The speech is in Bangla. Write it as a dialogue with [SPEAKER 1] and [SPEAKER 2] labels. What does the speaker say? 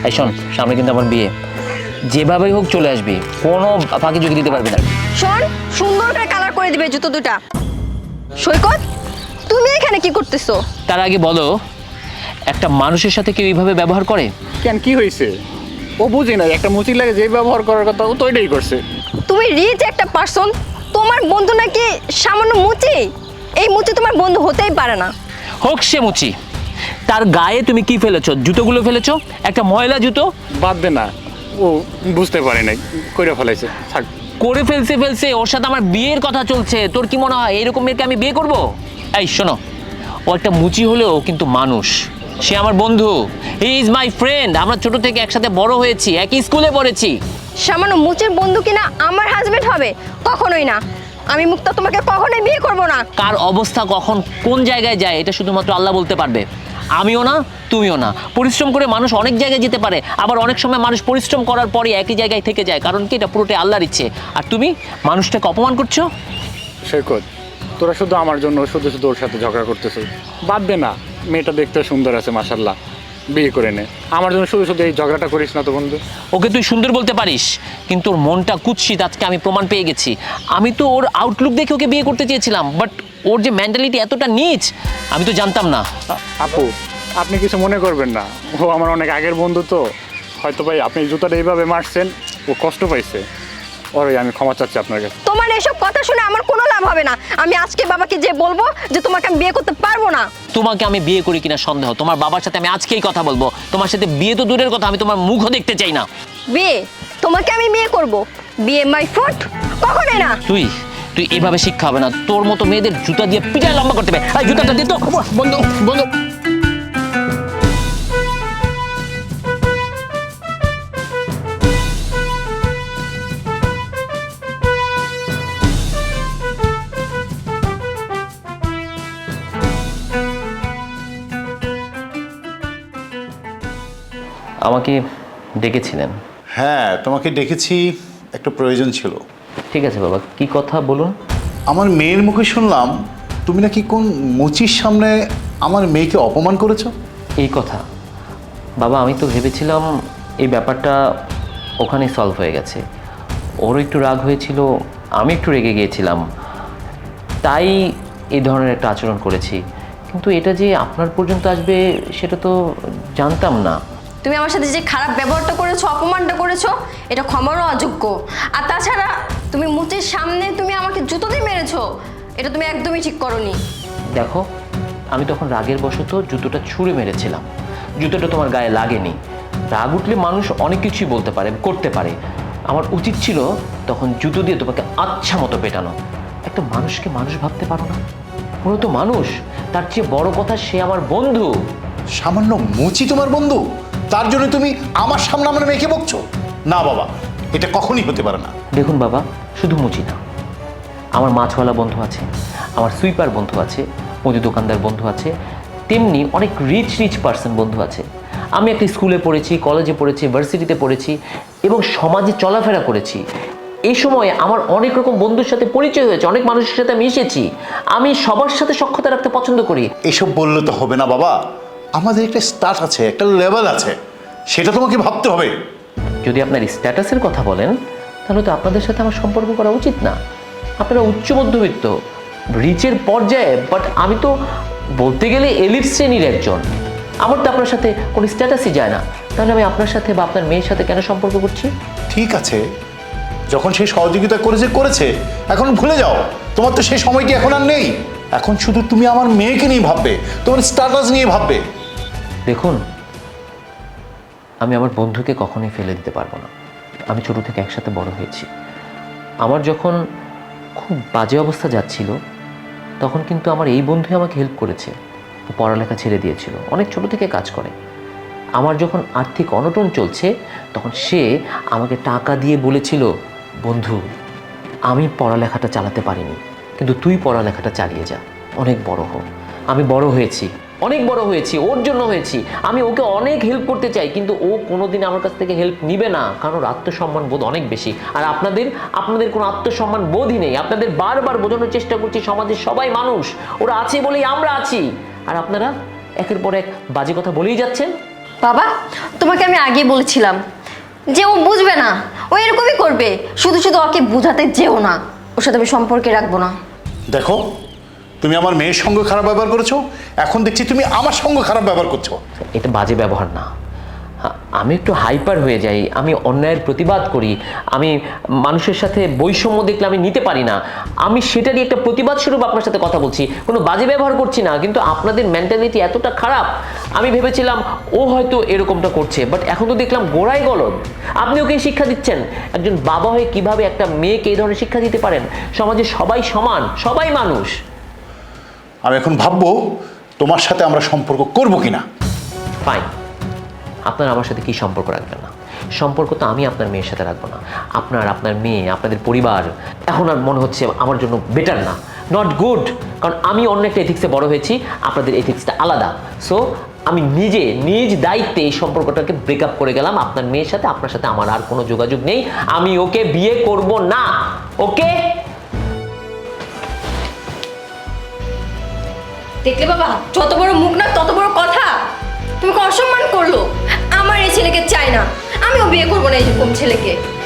[SPEAKER 1] এই শোন, সামনে কিন্তু আমার বিয়ে, যেভাবেই হোক চলে আসবি, কোনো ফাঁকি ঝুঁকি দিতে পারবি না।
[SPEAKER 2] শোন, সুন্দর করে কালার করে দিবে জুতো দুটা। সৈকত, তুমি এখানে কি করতেছো?
[SPEAKER 1] তার আগে বলো, একটা মানুষের সাথে কেউ এইভাবে ব্যবহার করে?
[SPEAKER 3] কেন, কি হয়েছে? ও বুঝি না, একটা মুচি লাগে যে ব্যবহার করার কথা ও তো এটাই করছে।
[SPEAKER 2] তুমি রিচ একটা পার্সন, তোমার বন্ধু নাকি সামান্য মুচি? এই মুচি তোমার বন্ধু হতেই পারে না।
[SPEAKER 1] হোক সে মুচি, তার গায়ে তুমি কি ফেলেছো? জুতোগুলো ফেলেছো, একটা ময়লা জুতো।
[SPEAKER 3] বাদ দে না, ও বুঝতে পারে নাই, কইরা ফেলাইছে, থাক।
[SPEAKER 1] করে ফেলছে, ওর সাথে আমার বিয়ের কথা চলছে। তোর কি মনে হয় এরকম মেয়েকে আমি বিয়ে করব? এই শোনো, ও একটা মুচি হলেও কিন্তু মানুষ, সে আমার বন্ধু, হি ইজ মাই ফ্রেন্ড। আমরা ছোট থেকে একসাথে বড় হয়েছি, একই স্কুলে পড়েছি।
[SPEAKER 2] সামান্য মুচির বন্ধু কিনা আমার হাজবেন্ড হবে? কখনোই না। আমি মুক্তা তোমাকে কখনোই বিয়ে করব না।
[SPEAKER 1] কার অবস্থা কখন কোন জায়গায় যায় এটা শুধুমাত্র আল্লাহ বলতে পারবে। আমিও না, তুমিও না। পরিশ্রম করে মানুষ অনেক জায়গায় যেতে পারে, আবার অনেক সময় মানুষ পরিশ্রম করার পরে একই জায়গায় থেকে যায়, কারণ কি এটা পুরোটাই আল্লাহর ইচ্ছে। আর তুমি মানুষটাকে অপমান করছো।
[SPEAKER 3] সৈকত, তোরা শুধু আমার জন্য শুধু শুধু ওর সাথে ঝগড়া করতেছিস। বাদ দে না, মেয়েটা দেখতে সুন্দর আছে মাশাআল্লাহ, বিয়ে করে নে। আমার জন্য শুধু শুধু এই ঝগড়াটা করিস না তো বন্ধু।
[SPEAKER 1] ওকে তুই সুন্দর বলতে পারিস, কিন্তু ওর মনটা কুৎসিত, আজকে আমি প্রমাণ পেয়ে গেছি। আমি তো ওর আউটলুক দেখে ওকে বিয়ে করতে চেয়েছিলাম, বাট ওর যে মেন্টালিটি এতটা নীচ আমি তো জানতাম না।
[SPEAKER 3] আপু, আপনি কিছু মনে করবেন না, ও আমার অনেক আগের বন্ধু তো। হয়তো ভাই আপনি জুতাটা এইভাবে মারছেন, ও কষ্ট পাইছে। ওরে আমি ক্ষমা চাচ্ছি আপনার কাছে।
[SPEAKER 2] তোমার এসব কথা শুনে আমার কোনো লাভ হবে না। আমি আজকে বাবাকে যে বলবো যে তোমাকে আমি বিয়ে করতে পারবো না।
[SPEAKER 1] তোমাকে আমি বিয়ে করি কিনা সন্দেহ, তোমার বাবার সাথে আমি আজকেই কথা বলবো। তোমার সাথে বিয়ে তো দূরের কথা, আমি তোমার মুখও দেখতে চাই না।
[SPEAKER 2] বিয়ে? তোমাকে আমি বিয়ে করব? বিয়ে মাই ফুট? কখনোই না।
[SPEAKER 1] তুই তুই এভাবে শিক্ষা হবে না, তোর মতো মেয়েদের জুতা দিয়ে পিটায় লম্বা করতে হবে। এই জুতাটা দিয়ে তো
[SPEAKER 3] বন্ধু বন্ধু,
[SPEAKER 1] আমাকে ডেকেছিলেন?
[SPEAKER 4] হ্যাঁ, তোমাকে ডেকেছি, একটা প্রয়োজন ছিল।
[SPEAKER 1] ঠিক আছে বাবা, কি কথা বলুন।
[SPEAKER 4] আমার মেয়ের মুখে শুনলাম তুমি নাকি কোন মুচির সামনে আমার মেয়েকে অপমান করেছো।
[SPEAKER 1] এই কথা বাবা, আমি তো ভেবেছিলাম এই ব্যাপারটা ওখানে সলভ হয়ে গেছে। ওরও একটু রাগ হয়েছিল, আমি একটু রেগে গিয়েছিলাম, তাই এই ধরনের একটা আচরণ করেছি। কিন্তু এটা যে আপনার পর্যন্ত আসবে সেটা তো জানতাম না।
[SPEAKER 2] তুমি আমার সাথে যে খারাপ ব্যবহারটা করেছো, অপমানটা করেছো, এটা ক্ষমারও অযোগ্য। আর তাছাড়া তুমি মুচির সামনে তুমি আমাকে জুতো দিয়ে মেরেছো, এটা তুমি একদমই ঠিক করোনি।
[SPEAKER 1] দেখো, আমি তখন রাগের বশত জুতোটা ছুঁড়ে মেরেছিলাম, জুতোটা তোমার গায়ে লাগেনি। রাগ উঠলে মানুষ অনেক কিছুই বলতে পারে, করতে পারে। আমার উচিত ছিল তখন জুতো দিয়ে তোমাকে আচ্ছা মতো পেটানো। একটা মানুষকে মানুষ ভাবতে পারো না? পুরো তো মানুষ, তার চেয়ে বড় কথা সে আমার বন্ধু।
[SPEAKER 4] সামান্য মুচি তোমার বন্ধু, তার জন্য তুমি আমার সামনে আমার মেয়েকে বকছো? না বাবা, এটা কখনই হতে পারে না।
[SPEAKER 1] দেখুন বাবা, শুধু মুচি না, আমার মাছওয়ালা বন্ধু আছে, আমার সুইপার বন্ধু আছে, মুদি দোকানদার বন্ধু আছে, তেমনি অনেক রিচ পার্সন বন্ধু আছে। আমি একটা স্কুলে পড়েছি, কলেজে পড়েছি, ভার্সিটিতে পড়েছি এবং সমাজে চলাফেরা করেছি। এই সময় আমার অনেক রকম বন্ধুর সাথে পরিচয় হয়েছে, অনেক মানুষের সাথে আমি এসেছি। আমি সবার সাথে সখ্যতা রাখতে পছন্দ করি।
[SPEAKER 4] এসব বললে তো হবে না বাবা, আমাদের একটা স্টার্ট আছে, একটা লেভেল আছে, সেটা তোমাকে ভাবতে হবে।
[SPEAKER 1] যদি আপনার স্ট্যাটাসের কথা বলেন, তাহলে তো আপনাদের সাথে আমার সম্পর্ক করা উচিত না। আপনারা উচ্চ মধ্যবিত্ত, রিচের পর্যায়ে, বাট আমি তো বলতে গেলে এলিট শ্রেণীর একজন। আমার তো আপনার সাথে কোনো স্ট্যাটাসই যায় না, তাহলে আমি আপনার সাথে বা আপনার মেয়ের সাথে কেন সম্পর্ক করছি?
[SPEAKER 4] ঠিক আছে, যখন সে সহযোগিতা করেছে, এখন ভুলে যাও। তোমার তো সেই সময়টি এখন আর নেই। এখন শুধু তুমি আমার মেয়েকে নিয়ে ভাববে, তোমার স্ট্যাটাস নিয়ে ভাববে।
[SPEAKER 1] দেখুন, আমি আমার বন্ধুকে কখনোই ফেলে দিতে পারবো না। আমি ছোট থেকে একসাথে বড় হয়েছি। আমার যখন খুব বাজে অবস্থা যাচ্ছিল, তখন কিন্তু আমার এই বন্ধুই আমাকে হেল্প করেছে। ও পড়ালেখা ছেড়ে দিয়েছিল, অনেক ছোট থেকে কাজ করে। আমার যখন আর্থিক অনটন চলছে, তখন সে আমাকে টাকা দিয়ে বলেছিল, বন্ধু আমি পড়ালেখাটা চালাতে পারিনি, কিন্তু তুই পড়ালেখাটা চালিয়ে যা, অনেক বড় হোক। আমি বড় হয়েছি, অনেক বড় হয়েছি, ওর জন্য হয়েছি। আমি ওকে অনেক হেল্প করতে চাই, কিন্তু ও কোনোদিন আমার কাছ থেকে হেল্প নিবে না, কারণ ওর আত্মসম্মান বোধ অনেক বেশি। আর আপনাদের কোনো আত্মসম্মান বোধই নেই। আপনাদের বারবার বোঝানোর চেষ্টা করছি সমাজের সবাই মানুষ, ওরা আছে বলেই আমরা আছি, আর আপনারা একের পর এক বাজে কথা বলেই যাচ্ছেন।
[SPEAKER 2] বাবা, তোমাকে আমি আগেই বলেছিলাম যে ও বুঝবে না, ও এরকমই করবে। শুধু শুধু ওকে বোঝাতে যেও না, ওর সাথে আমি সম্পর্কে রাখবো না।
[SPEAKER 4] দেখো, তুমি আমার মেয়ের সঙ্গে খারাপ ব্যবহার করেছো, এখন দেখছি তুমি আমার সঙ্গে খারাপ ব্যবহার করছো।
[SPEAKER 1] এটা বাজে ব্যবহার না। আমি একটু হাইপার হয়ে যাই, আমি অন্যায়ের প্রতিবাদ করি, আমি মানুষের সাথে বৈষম্য দেখলে আমি নিতে পারি না, আমি সেটারই একটা প্রতিবাদ স্বরূপ আপনার সাথে কথা বলছি, কোনো বাজে ব্যবহার করছি না। কিন্তু আপনাদের মেন্টালিটি এতটা খারাপ, আমি ভেবেছিলাম ও হয়তো এরকমটা করছে, বাট এখন তো দেখলাম গোড়ায় গলদ। আপনি ওকে শিক্ষা দিচ্ছেন। একজন বাবা হয়ে কিভাবে একটা মেয়েকে এই ধরনের শিক্ষা দিতে পারেন? সমাজে সবাই সমান, সবাই মানুষ।
[SPEAKER 4] আমি এখন ভাববো তোমার সাথে আমরা সম্পর্ক করবো কিনা।
[SPEAKER 1] ফাইন, আপনার আমার সাথে কি সম্পর্ক রাখবেন না? সম্পর্ক তো আমি আপনার মেয়ের সাথে রাখবো না। আপনার মেয়ে, আপনাদের পরিবার এখন আর মনে হচ্ছে আমার জন্য বেটার না, নট গুড। কারণ আমি অন্য একটা এথিক্সে বড় হয়েছি, আপনাদের এথিক্সটা আলাদা। সো আমি নিজ দায়িত্বে এই সম্পর্কটাকে ব্রেকআপ করে গেলাম আপনার মেয়ের সাথে। আপনার সাথে আমার আর কোনো যোগাযোগ নেই, আমি ওকে বিয়ে করব না। ওকে?
[SPEAKER 2] দেখলে বাবা, যত বড় মুখ না তত বড় কথা। তুমি অসম্মান করলো। আমার এই ছেলেকে চাই না, আমিও বিয়ে করবো না এরকম ছেলেকে।